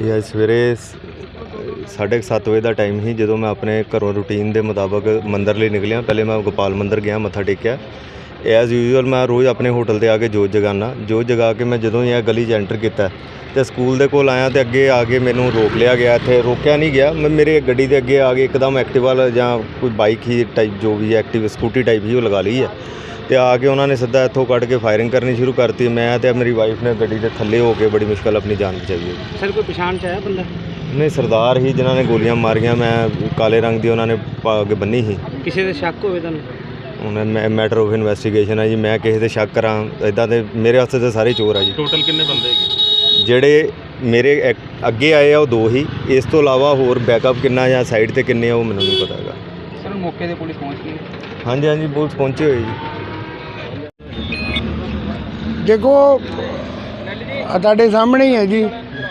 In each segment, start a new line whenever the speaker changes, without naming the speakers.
ਇਹ ਅੱਜ ਸਵੇਰੇ 7:30 ਵਜੇ ਦਾ ਟਾਈਮ ਸੀ ਜਦੋਂ ਮੈਂ ਆਪਣੇ ਘਰੋਂ ਰੂਟੀਨ ਦੇ ਮੁਤਾਬਕ ਮੰਦਰ ਲਈ ਨਿਕਲਿਆ। ਪਹਿਲੇ ਮੈਂ ਗੋਪਾਲ ਮੰਦਰ ਗਿਆ, ਮੱਥਾ ਟੇਕਿਆ। ਐਜ਼ ਯੂਜੂਅਲ ਮੈਂ ਰੋਜ਼ ਆਪਣੇ ਹੋਟਲ 'ਤੇ ਆ ਕੇ ਜੋਤ ਜਗਾਉਂਦਾ। ਜੋਤ ਜਗਾ ਕੇ ਮੈਂ ਜਦੋਂ ਹੀ ਇਹ ਗਲੀ 'ਚ ਐਂਟਰ ਕੀਤਾ ਅਤੇ ਸਕੂਲ ਦੇ ਕੋਲ ਆਇਆ ਅਤੇ ਅੱਗੇ ਆ ਕੇ ਮੈਨੂੰ ਰੋਕ ਲਿਆ ਗਿਆ। ਇੱਥੇ ਰੋਕਿਆ ਨਹੀਂ ਗਿਆ, ਮੈਂ ਮੇਰੇ ਗੱਡੀ ਦੇ ਅੱਗੇ ਆ ਕੇ ਇੱਕਦਮ ਐਕਟਿਵਾ ਜਾਂ ਕੋਈ ਬਾਈਕ ਹੀ ਟਾਈਪ ਜੋ ਵੀ ਐਕਟਿਵ ਸਕੂਟੀ ਟਾਈਪ ਹੀ ਉਹ ਲਗਾ ਲਈ ਹੈ ਅਤੇ ਆ ਕੇ ਉਹਨਾਂ ਨੇ ਸਿੱਧਾ ਇੱਥੋਂ ਕੱਢ ਕੇ ਫਾਇਰਿੰਗ ਕਰਨੀ ਸ਼ੁਰੂ ਕਰਤੀ। ਮੈਂ ਅਤੇ ਮੇਰੀ ਵਾਈਫ ਨੇ ਗੱਡੀ ਦੇ ਥੱਲੇ ਹੋ ਕੇ ਬੜੀ ਮੁਸ਼ਕਲ ਆਪਣੀ ਜਾਨ ਬਚਾਈ ਹੈ।
ਸਰ ਕੋਈ ਪਛਾਣ 'ਚ ਆਇਆ ਬੰਦਾ?
ਨਹੀਂ, ਸਰਦਾਰ ਹੀ ਜਿਨ੍ਹਾਂ ਨੇ ਗੋਲੀਆਂ ਮਾਰੀਆਂ। ਮੈਂ ਕਾਲੇ ਰੰਗ ਦੀ ਉਹਨਾਂ ਨੇ ਪੱਗ ਬੰਨੀ ਸੀ।
ਕਿਸੇ ਦੇ ਸ਼ੱਕ ਹੋਵੇ ਤੁਹਾਨੂੰ?
ਹੁਣ ਮੈਟਰ ਆਫ ਇਨਵੈਸਟੀਗੇਸ਼ਨ ਹੈ ਜੀ। ਮੈਂ ਕਿਸੇ ਤੇ ਸ਼ੱਕ ਕਰਾਂ ਇੱਦਾਂ ਦੇ ਮੇਰੇ ਵਾਸਤੇ ਤਾਂ ਸਾਰੇ ਚੋਰ ਆ ਜੀ।
ਟੋਟਲ ਕਿੰਨੇ ਬੰਦੇ ਹੈਗੇ?
ਜਿਹੜੇ ਮੇਰੇ ਅੱਗੇ ਆਏ ਆ ਉਹ 2 ਹੀ। ਇਸ ਤੋਂ ਇਲਾਵਾ ਹੋਰ ਬੈਕਅਪ ਕਿੰਨਾ ਜਾਂ ਸਾਈਡ ਤੇ ਕਿੰਨੇ ਆ ਉਹ ਮੈਨੂੰ ਨਹੀਂ ਪਤਾ ਹੈਗਾ।
ਸਰ ਮੌਕੇ 'ਤੇ ਪੁਲਿਸ ਪਹੁੰਚ ਗਈ?
ਹਾਂਜੀ ਹਾਂਜੀ, ਪੁਲਿਸ ਪਹੁੰਚੀ ਹੋਈ ਜੀ।
ਦੇਖੋ ਤੁਹਾਡੇ ਸਾਹਮਣੇ ਹੀ ਹੈ ਜੀ,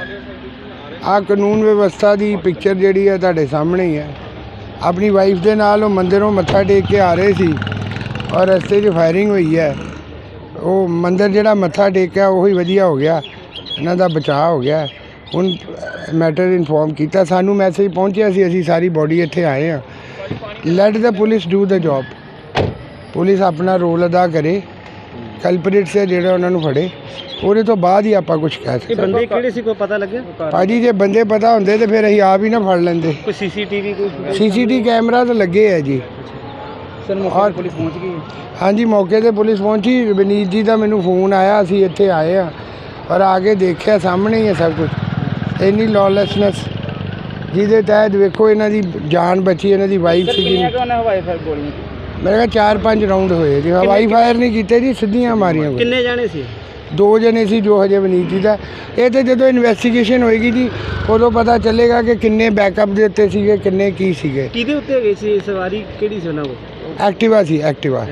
ਆਹ ਕਾਨੂੰਨ ਵਿਵਸਥਾ ਦੀ ਪਿਕਚਰ ਜਿਹੜੀ ਹੈ ਤੁਹਾਡੇ ਸਾਹਮਣੇ ਹੀ ਹੈ। ਆਪਣੀ ਵਾਈਫ ਦੇ ਨਾਲ ਉਹ ਮੰਦਿਰੋਂ ਮੱਥਾ ਟੇਕ ਕੇ ਆ ਰਹੇ ਸੀ ਔਰ ਰਸਤੇ 'ਚ ਫਾਇਰਿੰਗ ਹੋਈ ਹੈ। ਉਹ ਮੰਦਿਰ ਜਿਹੜਾ ਮੱਥਾ ਟੇਕਿਆ ਉਹੀ ਵਧੀਆ ਹੋ ਗਿਆ, ਇਹਨਾਂ ਦਾ ਬਚਾਅ ਹੋ ਗਿਆ। ਹੁਣ ਮੈਟਰ ਇਨਫੋਰਮ ਕੀਤਾ, ਸਾਨੂੰ ਮੈਸੇਜ ਪਹੁੰਚਿਆ ਸੀ, ਅਸੀਂ ਸਾਰੀ ਬੋਡੀ ਇੱਥੇ ਆਏ ਹਾਂ। Let the police do the job. Police ਆਪਣਾ ਰੋਲ ਅਦਾ ਕਰੇ, ਕਲਪਰੇਟਸ ਹੈ ਜਿਹੜਾ ਉਹਨਾਂ ਨੂੰ ਫੜੇ, ਉਹਦੇ ਤੋਂ ਬਾਅਦ ਹੀ ਆਪਾਂ ਕੁਝ ਕਹਿ ਸਕਦੇ।
ਬੰਦੇ ਕਿਹੜੇ ਸੀ, ਕੋਈ ਪਤਾ ਲੱਗਿਆ?
ਭਾਜੀ ਜੇ ਬੰਦੇ ਪਤਾ ਹੁੰਦੇ ਤੇ ਫਿਰ ਅਸੀਂ ਆਪ ਹੀ ਨਾ ਫੜ ਲੈਂਦੇ।
ਕੋਈ ਸੀਸੀਟੀਵੀ ਕੋਈ?
ਸੀਸੀਟੀਵੀ ਕੈਮਰਾ ਤਾਂ ਲੱਗੇ ਹੈ ਜੀ।
ਸਰ ਮੌਕੇ 'ਤੇ ਪੁਲਿਸ ਪਹੁੰਚ ਗਈ?
ਹਾਂਜੀ, ਮੌਕੇ 'ਤੇ ਪੁਲਿਸ ਪਹੁੰਚੀ। ਵਿਨੀਤ ਜੀ ਦਾ ਮੈਨੂੰ ਫੋਨ ਆਇਆ, ਅਸੀਂ ਇੱਥੇ ਆਏ ਹਾਂ ਔਰ ਆ ਕੇ ਦੇਖਿਆ ਸਾਹਮਣੇ ਹੀ ਹੈ ਸਭ ਕੁਝ। ਇੰਨੀ ਲੌਲੈਸਨੈਸ ਜਿਹਦੇ ਤਹਿਤ ਵੇਖੋ ਇਹਨਾਂ ਦੀ ਜਾਨ ਬਚੀ, ਇਹਨਾਂ ਦੀ ਵਾਈਫ ਸੀਗੀ।
ਹਵਾਈ ਫਾਇਰ ਗੋਲੀਆਂ?
ਮੇਰੇ ਕੋਲ 4-5 ਰਾਊਂਡ ਹੋਏ ਜੀ। ਹਵਾਈ ਫਾਇਰ ਨਹੀਂ ਕੀਤੇ ਜੀ, ਸਿੱਧੀਆਂ ਮਾਰੀਆਂ।
ਕਿੰਨੇ ਜਾਣੇ ਸੀ?
2 ਜਣੇ ਸੀ ਜੋ ਹਜੇ ਵਿਨੀਤ ਜੀ ਦਾ। ਇਹ ਤਾਂ ਜਦੋਂ ਇਨਵੈਸਟੀਗੇਸ਼ਨ ਹੋਏਗੀ ਜੀ ਉਦੋਂ ਪਤਾ ਚੱਲੇਗਾ ਕਿ ਕਿੰਨੇ ਬੈਕਅਪ ਦੇ ਉੱਤੇ ਸੀਗੇ, ਕਿੰਨੇ ਕੀ ਸੀਗੇ।
ਕਿਹਦੇ ਉੱਤੇ ਗਏ ਸੀ ਸਵਾਰੀ? ਕਿਹੜੀ ਸੀ ਉਹਨਾਂ ਕੋਲ?
ਐਕਟਿਵਾ ਸੀ, ਐਕਟਿਵਾ।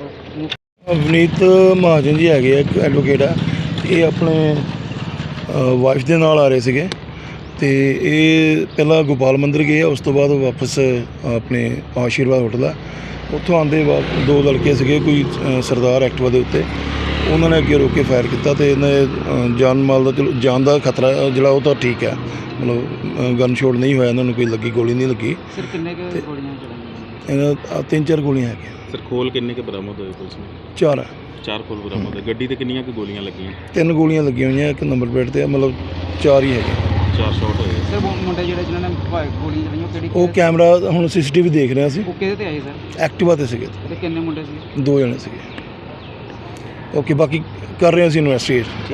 ਵਿਨੀਤ ਮਹਾਜਨ ਜੀ ਹੈਗੇ ਆ, ਇੱਕ ਐਡਵੋਕੇਟ ਆ। ਇਹ ਆਪਣੇ ਵਾਈਫ ਦੇ ਨਾਲ ਆ ਰਹੇ ਸੀਗੇ ਅਤੇ ਇਹ ਪਹਿਲਾਂ ਗੋਪਾਲ ਮੰਦਰ ਗਏ ਆ, ਉਸ ਤੋਂ ਬਾਅਦ ਵਾਪਸ ਆਪਣੇ ਆਸ਼ੀਰਵਾਦ ਹੋਟਲ ਆ। ਉੱਥੋਂ ਆਉਂਦੇ ਬਾਅਦ 2 ਲੜਕੇ ਸੀਗੇ, ਕੋਈ ਸਰਦਾਰ ਐਕਟਿਵਾ ਦੇ ਉੱਤੇ, ਉਹਨਾਂ ਨੇ ਅੱਗੇ ਰੋਕ ਕੇ ਫਾਇਰ ਕੀਤਾ ਅਤੇ ਇਹਨਾਂ ਜਾਨ ਮਾਲ ਦਾ ਚਲੋ ਜਾਨ ਦਾ ਖਤਰਾ ਜਿਹੜਾ ਉਹ ਤਾਂ ਠੀਕ ਹੈ, ਮਤਲਬ ਗਨ ਸ਼ੋਟ ਨਹੀਂ ਹੋਇਆ, ਇਹਨਾਂ ਨੂੰ ਕੋਈ ਲੱਗੀ, ਗੋਲੀ ਨਹੀਂ ਲੱਗੀ।
ਸਰ ਕਿੰਨੇ ਕੁ ਗੋਲੀਆਂ ਚਲਾਈਆਂ?
ਇਹਨਾਂ 3-4 ਗੋਲੀਆਂ ਹੈਗੀਆਂ।
ਸਰ ਖੋਲ ਕਿੰਨੇ ਕੁ ਬਰਾਮਦ ਹੋਏ ਪੁਲਿਸ ਨੂੰ?
4
ਖੋਲ ਬਰਾਮਦ ਹੈ। ਗੱਡੀ ਤੇ ਕਿੰਨੀਆਂ ਕੁ ਗੋਲੀਆਂ ਲੱਗੀਆਂ?
3 ਗੋਲੀਆਂ ਲੱਗੀਆਂ ਹੋਈਆਂ, ਇੱਕ ਨੰਬਰ ਪਲੇਟ 'ਤੇ, ਮਤਲਬ 4 ਹੀ ਹੈਗੇ।
4 ਸ਼ਾਟ ਹੋਏ।
ਸਰ ਮੁੰਡੇ ਜਿਹੜੇ ਜਿਨ੍ਹਾਂ ਨੇ ਗੋਲੀਆਂ ਚਲਾਈਆਂ ਕਿਹੜੀ?
ਉਹ ਕੈਮਰਾ ਹੁਣ CCTV ਦੇਖ ਰਿਹਾ ਸੀ।
ਉਹ ਕਿਹਦੇ ਤੇ ਆਏ ਸਰ?
ਐਕਟਿਵਾ 'ਤੇ ਸੀਗੇ।
ਤੇ ਕਿੰਨੇ ਮੁੰਡੇ ਸੀ?
2 ਜਣੇ ਸੀਗੇ। ਓਕੇ, ਬਾਕੀ ਕਰ ਰਹੇ ਅਸੀਂ ਇਨਵੈਸਟੀਗੇਟ।